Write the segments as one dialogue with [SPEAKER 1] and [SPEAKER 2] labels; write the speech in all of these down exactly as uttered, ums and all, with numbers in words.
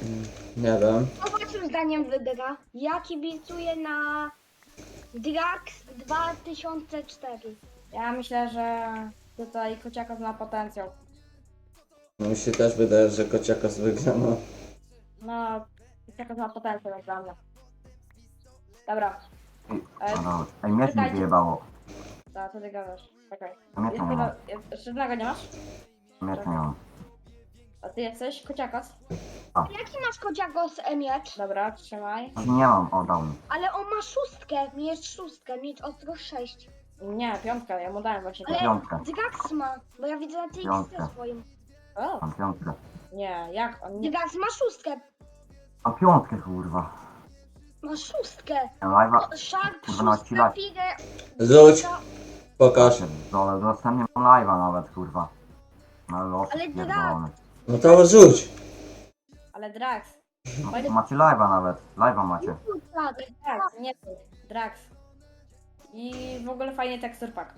[SPEAKER 1] Nie wiem.
[SPEAKER 2] Co waszym zdaniem wygra? Ja kibicuję na Drax dwa tysiące cztery.
[SPEAKER 3] Ja myślę, że tutaj Kociakos ma potencjał.
[SPEAKER 1] No mi się też wydaje, że Kociakos wygra, no.
[SPEAKER 3] No, Kociakos ma potencjał jak dla mnie. Dobra,
[SPEAKER 4] Ej,
[SPEAKER 3] Ej,
[SPEAKER 4] no, ej, mnie mi
[SPEAKER 3] czekajcie.
[SPEAKER 4] wyjebało.
[SPEAKER 3] to co ty gadasz? Czekaj.
[SPEAKER 4] Mnie
[SPEAKER 3] Jest
[SPEAKER 4] to nie
[SPEAKER 3] tego,
[SPEAKER 4] mam.
[SPEAKER 3] jest, jeszcze jednego nie masz?
[SPEAKER 4] Mnie to nie mam.
[SPEAKER 3] A ty jesteś Kociakos?
[SPEAKER 2] Jaki masz kociakos e, miecz?
[SPEAKER 3] Dobra, trzymaj.
[SPEAKER 4] Nie mam, o dał mi.
[SPEAKER 2] Ale on ma szóstkę, miecz szóstkę, miecz ostro sześć.
[SPEAKER 3] Nie, piątka, ja mu dałem właśnie
[SPEAKER 2] Ale
[SPEAKER 3] to.
[SPEAKER 4] Piątkę.
[SPEAKER 2] Drax ma, bo ja widzę na tej
[SPEAKER 4] Piątkę.
[SPEAKER 2] listy swoim.
[SPEAKER 3] O,
[SPEAKER 4] Mam piątkę.
[SPEAKER 3] nie, jak on nie...
[SPEAKER 2] Drax ma szóstkę,
[SPEAKER 4] Mam piątkę, kurwa.
[SPEAKER 2] ma szóstkę.
[SPEAKER 4] Ja live'a...
[SPEAKER 2] Sharp,
[SPEAKER 4] Kurwa, nawet ci
[SPEAKER 2] szóstka,
[SPEAKER 4] live.
[SPEAKER 2] Pire,
[SPEAKER 1] Rzuć, pokaż.
[SPEAKER 4] Dole, następnie mam live'a nawet, kurwa. No los,
[SPEAKER 2] Ale
[SPEAKER 4] pierdolony.
[SPEAKER 1] No to rzuć.
[SPEAKER 3] Ale Drax.
[SPEAKER 4] No, macie live'a nawet. Live'a macie.
[SPEAKER 2] tak.
[SPEAKER 3] Drax, nie ty. Drax. I w ogóle fajnie tekstur pack.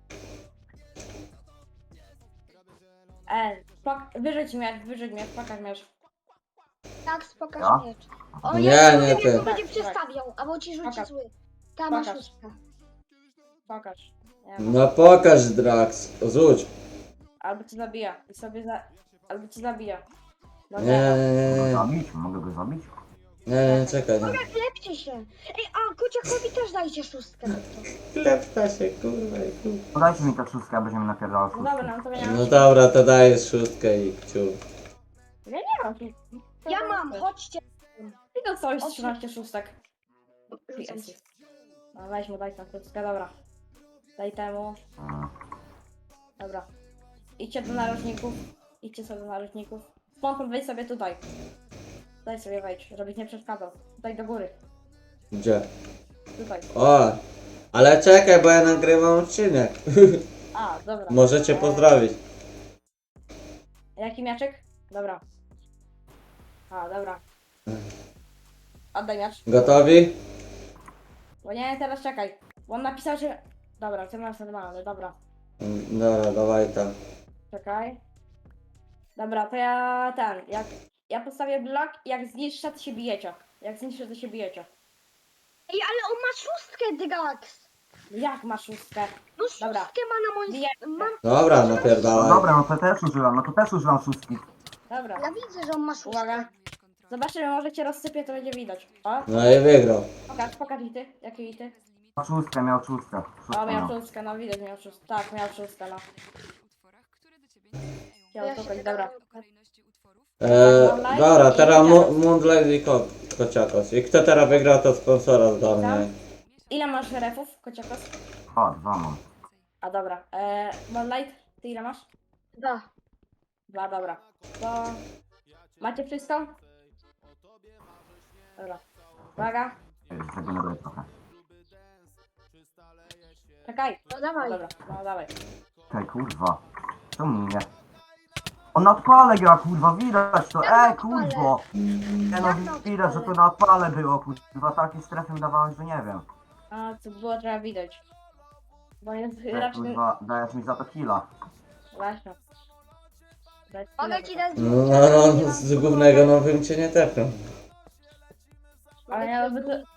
[SPEAKER 3] E, pak, wyrzuć miecz, wyrzuć miecz, pokaż miecz.
[SPEAKER 2] Drax, pokaż
[SPEAKER 4] Ja?
[SPEAKER 2] miecz. O,
[SPEAKER 1] Nie,
[SPEAKER 2] ja
[SPEAKER 1] nie
[SPEAKER 2] nie
[SPEAKER 1] ty.
[SPEAKER 2] to będzie
[SPEAKER 3] Tak,
[SPEAKER 2] przestawiał, albo ci rzuci
[SPEAKER 3] Pokaż.
[SPEAKER 2] zły. Ta ma
[SPEAKER 3] Pokaż.
[SPEAKER 2] szóstkę.
[SPEAKER 3] Pokaż. Nie,
[SPEAKER 1] No pokaż, Drax. Rzuć.
[SPEAKER 3] albo cię zabija. I sobie za... Albo cię zabija. No
[SPEAKER 1] Nie, nie,
[SPEAKER 4] Mogę
[SPEAKER 1] nie,
[SPEAKER 4] go
[SPEAKER 1] nie.
[SPEAKER 4] zabić? Mogę go zabić?
[SPEAKER 1] Nie, nie, czekaj, nie.
[SPEAKER 2] Lepcie się. Ej, a kociakowi też dajcie szóstkę.
[SPEAKER 1] Klepta się, kurwa, kurwa.
[SPEAKER 4] Podajcie mi tę szóstkę, abyś mi napierdalał
[SPEAKER 3] No
[SPEAKER 4] szóstkę.
[SPEAKER 3] dobra, no to ja nie
[SPEAKER 1] No
[SPEAKER 3] mam.
[SPEAKER 1] dobra, to dajesz szóstkę i kciu.
[SPEAKER 3] Ja nie mam.
[SPEAKER 2] Ja mam, chodźcie.
[SPEAKER 3] I to coś,
[SPEAKER 2] Chodź.
[SPEAKER 3] trzynaście szóstek.
[SPEAKER 2] Rzucam ci.
[SPEAKER 3] No weź mu, daj tam krótkę, dobra. Daj temu,
[SPEAKER 4] Mm.
[SPEAKER 3] dobra. Idźcie do narożników. Idźcie sobie do narożników. Spontan wejdź sobie tutaj. Daj sobie wejdź, żebyś nie przeszkadzał. Tutaj do góry.
[SPEAKER 1] Gdzie?
[SPEAKER 3] Tutaj.
[SPEAKER 1] O, ale czekaj, bo ja nagrywam odcinek.
[SPEAKER 3] A, dobra.
[SPEAKER 1] Możecie
[SPEAKER 3] E,
[SPEAKER 1] pozdrowić.
[SPEAKER 3] Jaki miaczek? Dobra. A, dobra. Oddaj miacz.
[SPEAKER 1] Gotowi?
[SPEAKER 3] Bo nie, teraz czekaj. Bo on napisał, że... Dobra, ty masz normalny, dobra.
[SPEAKER 1] Mm, Dobra, dawaj tam.
[SPEAKER 3] Czekaj. Dobra, to ja ten, jak... Ja postawię blok, jak zniszczę, to się bijecie. Jak zniszczę, to się bijecie.
[SPEAKER 2] Ej, ale on ma szóstkę, Drax.
[SPEAKER 3] Jak masz szóstkę?
[SPEAKER 2] No
[SPEAKER 3] Dobra.
[SPEAKER 2] szóstkę ma na moim...
[SPEAKER 3] Bijemy.
[SPEAKER 2] Mam...
[SPEAKER 1] Dobra,
[SPEAKER 4] No
[SPEAKER 1] napierdalaj.
[SPEAKER 4] dobra, no to też użyłam, no to też użyłam szóstki.
[SPEAKER 3] Dobra,
[SPEAKER 2] Ja widzę, że on ma szóstkę.
[SPEAKER 3] uwaga. Zobaczymy, może cię rozsypię, to będzie widać. O,
[SPEAKER 1] No i wygrał.
[SPEAKER 3] pokaż, pokaż i ty. Jakie i ty?
[SPEAKER 4] Miał szóstkę, miał szóstkę.
[SPEAKER 3] O,
[SPEAKER 4] Szóstkę
[SPEAKER 3] miał
[SPEAKER 4] miał.
[SPEAKER 3] szóstkę, no widać, miał szóstkę. Tak, miał szóstkę, no. Chciał
[SPEAKER 2] Ja się
[SPEAKER 3] szukać,
[SPEAKER 2] tego
[SPEAKER 3] dobra.
[SPEAKER 2] nauczę.
[SPEAKER 1] Eee, dobra, teraz Mu- Moonlight i Ko- Kociakos. I kto teraz wygra, to sponsora zgarnie.
[SPEAKER 3] Ile masz refów, kociakos?
[SPEAKER 4] O, dwa mam.
[SPEAKER 3] A dobra. Eee, Moonlight, ty ile masz?
[SPEAKER 2] Dwa.
[SPEAKER 3] Dwa, dobra. To... Macie wszystko? Dobra. Uwaga.
[SPEAKER 4] Ej, zregeneruję trochę.
[SPEAKER 3] Czekaj.
[SPEAKER 2] No
[SPEAKER 3] No
[SPEAKER 2] dawaj.
[SPEAKER 3] dobra, no dawaj.
[SPEAKER 4] Czekaj, kurwa. Co mnie? On na odpale gra, kurwa, widać to.
[SPEAKER 2] Jak na
[SPEAKER 4] Ej,
[SPEAKER 2] odpale?
[SPEAKER 4] kurwo. Nie no,
[SPEAKER 2] Jak na
[SPEAKER 4] widać, że to
[SPEAKER 2] odpale?
[SPEAKER 4] na odpale było, kurwa. Takim strefem dawałem, że nie wiem.
[SPEAKER 3] A, co było trzeba widać. Bo jest
[SPEAKER 4] Ej,
[SPEAKER 3] raczej...
[SPEAKER 4] kurwa, dajesz mi za to killa.
[SPEAKER 3] Właśnie. Dać
[SPEAKER 2] Mogę ci dać
[SPEAKER 1] No, no, no, z głównego no bym cię nie tepnął.
[SPEAKER 3] Ale ja by to...